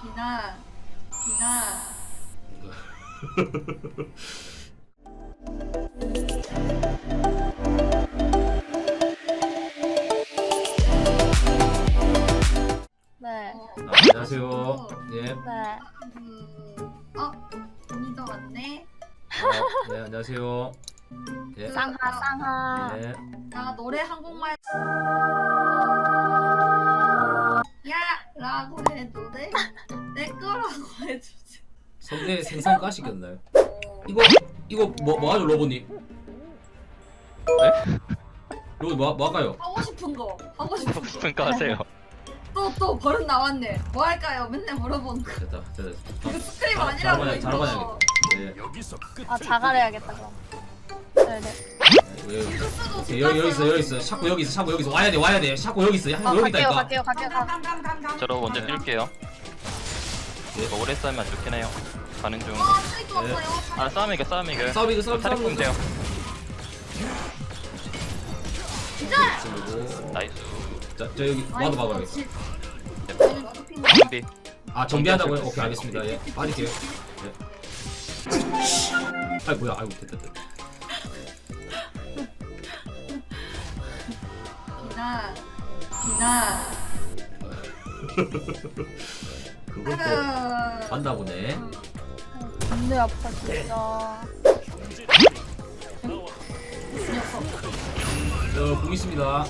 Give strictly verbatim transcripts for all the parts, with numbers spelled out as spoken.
비나 비나 네. 아, 안녕하세요. 예. 네. 음, 어? 언니도 왔네? 어, 네, 안녕하세요. 예. 쌍하 쌍하. 예. 나 노래 한국말 야! 라고 해도 돼? 내 거라고 해도 돼? 성대 생선 까시겠나요? 이거 이거 뭐 뭐하죠 로봇님? 네? 로봇 뭐 뭐할까요? 하고 싶은 거 하고 싶은 거 싶으니까 하세요. 또 또 버릇 나왔네 뭐 할까요? 맨날 물어보는 거 됐다 됐다. 이거 스크림 자, 아니라고 자르반야- 이거 자르반야겠다. 예. 아 자갈해야겠다 그럼. 네네. 예. 수도 오케이, 여기 여기 있어 여기 있어. 샤코 여기 있어 샤코 여기 있어 와야 돼 와야 돼. 샤코 여기 있어. 샤코 아 여기 갈게요 있다니까. 갈게요 갈게요 가. 감감감감감 저로 먼저 뛸게요. 예. 이거 오래 싸우면 안 좋긴 해요. 가는 중. 어 트릭 왔어요 아 싸움 이겨 싸움 이겨. 싸움 이겨, 싸움, 탈핵 싸움. 공제요. 그리고 나이스. 자, 저 여기 와도 막아요. 준비. 아 정비한다고요? 오케이 알겠습니다. 예. 빠질게요. 예. 아이 뭐야? 아이고 됐다 됐다. 비나 비나 그걸 또 아유. 간다 보네. 근데 아파 진짜. 저 공 있습니다.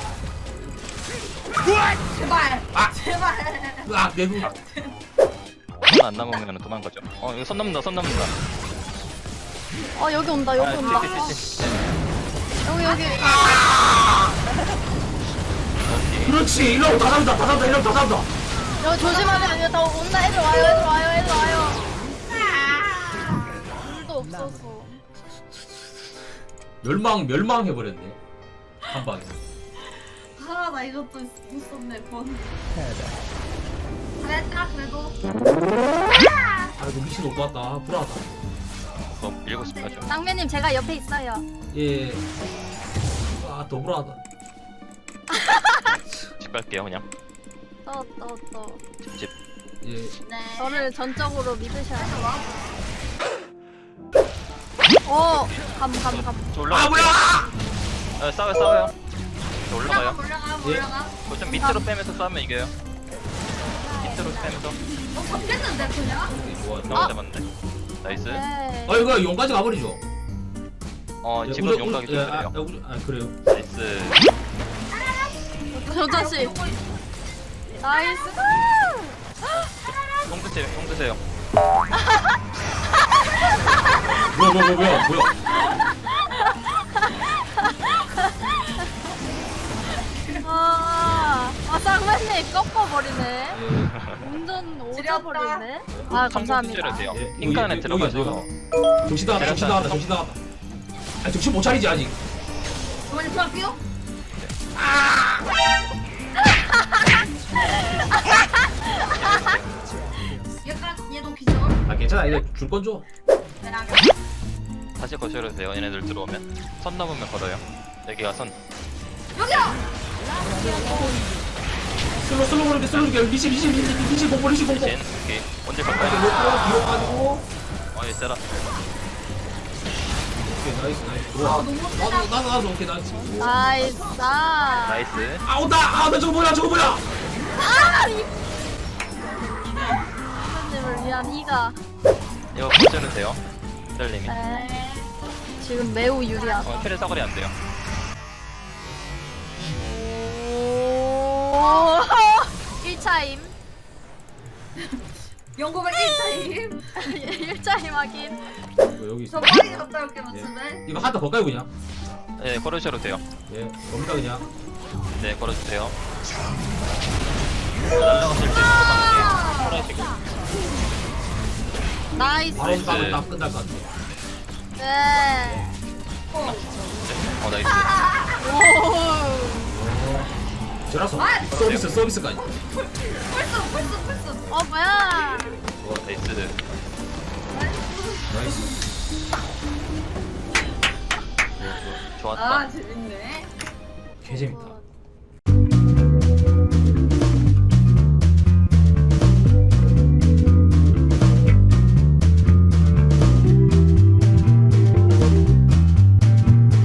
제발 아! 제발 으악 내구. 손안 남으면 도망가죠. 어 이거 손 넘는다 손 넘는다. 어 여기 온다 여기 아, 온다. 띠, 띠, 띠, 띠. 여기 여기. 오케이. 그렇지. 일로 다 잡는다. 다 잡는다. 일로 다 잡는다. 여기 조심하세요. 여기 다 온다. 애들 와요. 애들 와요. 애들 와요. 물도 없어서. 멸망 멸망해 버렸네. 한 방에. 아 나 이것도 있었네 번 잘했다 그래도 아이고 미친 오빠 왔다. 불안하다. 뭐 밀고 싶어죠. 쌍매님 제가 옆에 있어요. 예. 아더 불안하다. 집 갈게요 그냥. 또 또 또. 집. 예. 네 저를 전적으로 믿으셔야 돼요. 오, 감, 감, 감. 저 올라가. 아 뭐야? 아, 싸워요 싸워요. 저 올라가 올라가요. 올라가 예. 올라가 그거 좀 밑으로 빼면서 싸우면 이겨요. 밑으로 빼면서. 너 잡겠는데 그냥? 오케이, 좋아. 너무 아, 잡았네. 나이스. 네. 어 이거 용까지 가버리죠. 어 예, 지금 우저- 용각이 우저- 좀 예, 아, 그래요. 우저- 아 그래요. 나이스. 저 자식. 나이스. 똥 드세요 똥 드세요. 뭐야 뭐야 뭐야 뭐야 뭐야. 아, 아 쌍맨님 꺾어버리네. 예. 운전 지렸다. 오져버리네. 아, 감사합니다. 돼요. 예, 핑크 안에 여기, 들어가서. 여기가, 여기가. 정신 나갔다 정신 나갔다 정신 나갔다. 아 정신 못 차리지 아직. 저번에 들어갈게요? 얘가 얘도 기절 아 괜찮아 이거 줄 건 줘. 내랑 다시 거셔도 돼요. 얘네들 들어오면 선 넘으면 걸어요. 여기가 선. 여기요! 슬로 슬로 그렇게 슬로 이렇게 리시 리시 리시 리시 공포 리시 공포. 대신 오케이. 언제 이렇게 갈까요? 놓고 뒤로 빠지고. 어이 세라. 오케이 나이스 나이스. 아 들어와. 너무 나도 세다 나도 나도 오케이 나이스. 나이스. 나. 나이스. 아 온다. 아나 저거 뭐야 저거 뭐야. 아, 이. 쌍맨님을 위한 이가. 이거 거셔도 돼요. 셀님이. 네. 지금 매우 유리하다. 어 캐리 사거리 안 돼요. 오. 일 차임. 영국의 일 차임 일 차임 확인. 이거 여기 있어. 저 빨리 갔다 올게요 예. 집에 이거 하나 더 걸까요 그냥? 네 걸으셔도 돼요. 예. 겁니다 그냥. 네 걸어주세요. 날라갔을 때 조금만 걸어주시고. 나이스. 바로 나이스. 따면 딱 끝날 것 같아. 네. 어. 어 나이스. 오. 저라서 아! 서비스 서비스까지. 펄스 펄스 펄스 어 뭐야? 어 나이스. 나이스. 좋았다. 아 재밌네 개 재밌다.